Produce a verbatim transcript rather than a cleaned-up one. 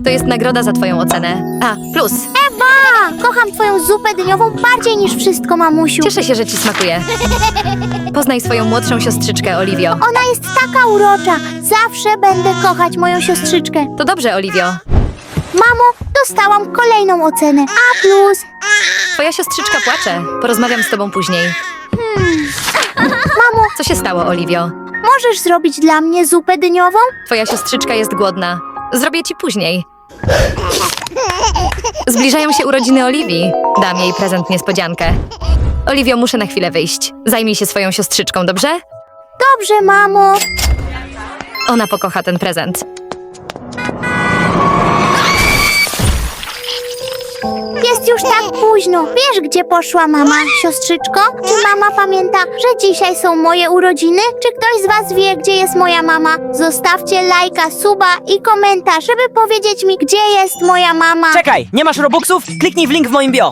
To jest nagroda za twoją ocenę. A, plus. Ewa! Kocham twoją zupę dyniową bardziej niż wszystko, mamusiu. Cieszę się, że ci smakuje. Poznaj swoją młodszą siostrzyczkę, Oliwio. Ona jest taka urocza. Zawsze będę kochać moją siostrzyczkę. To dobrze, Oliwio. Mamo, dostałam kolejną ocenę. A plus. Twoja siostrzyczka płacze. Porozmawiam z tobą później. Mamo, Co się stało, Oliwio? możesz zrobić dla mnie zupę dyniową? Twoja siostrzyczka jest głodna. Zrobię ci później. Zbliżają się urodziny Oliwii. Dam jej prezent niespodziankę. Oliwio, muszę na chwilę wyjść. Zajmij się swoją siostrzyczką, dobrze? Dobrze, mamo. Ona pokocha ten prezent. Jest już tak późno. Wiesz, gdzie poszła mama, siostrzyczko? Czy mama pamięta, że dzisiaj są moje urodziny? Czy ktoś z was wie, gdzie jest moja mama? Zostawcie lajka, suba i komentarz, żeby powiedzieć mi, gdzie jest moja mama. Czekaj, nie masz robuxów? Kliknij w link w moim bio.